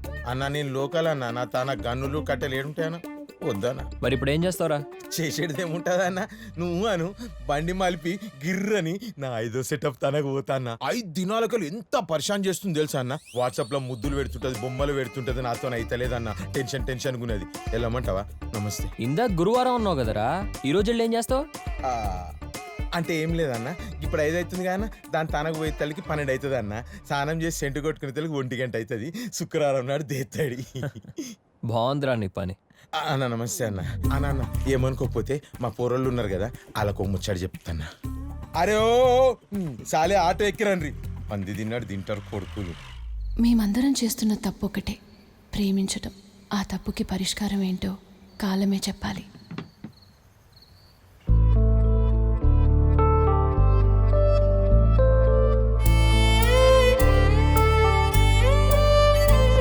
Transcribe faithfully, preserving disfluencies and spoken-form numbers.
అన్న నేను లోకల్ అన్న నా తన గన్నులు కట్టెలు ఏడుంటాయన్న వద్దన్న. మరి ఇప్పుడు ఏం చేస్తావురా? చేసేది ఏముంటుందన్న, నువ్వు అను బండి మలిపి గిర్రని నా ఐదో సెటప్ తనకు పోతాన్న. ఐదు దినాలకు ఎంత పరిశాన్ చేస్తుంది తెలుసా అన్న. వాట్సాప్ లో ముద్దులు పెడుతుంటది, బొమ్మలు పెడుతుంటది, నాతో అయితలేదన్న. Tension tension గున్నది. వెళ్ళమంటావా? నమస్తే. ఇందాక గురువారం ఉన్నావు కదరా, ఈ రోజు వెళ్ళి ఏం చేస్తావు? ఆ, అంటే ఏం లేదన్న, ఇప్పుడు ఐదు అవుతుంది కానీ దాని తనకు పోయే తల్లికి పన్నెండు అవుతుంది అన్న. స్నానం చేసి సెంటు కొట్టుకునే తల్లికి ఒంటి గంట అవుతుంది. శుక్రవారం నాడు దేత్తాడి. బాగుందిరా నీ పని. అన్న నమస్తే అన్న. అన్న అన్న ఏమనుకోకపోతే మా పోరోళ్ళు ఉన్నారు కదా, వాళ్ళకు ముచ్చడి చెప్తాన్నా. అరే ఓ సాలే ఆటో ఎక్కిరండ్రి, పంది తిన్నాడు తింటారు కొడుకులు. మేమందరం చేస్తున్న తప్పు ఒకటే, ప్రేమించటం. ఆ తప్పుకి పరిష్కారం ఏంటో కాలమే చెప్పాలి.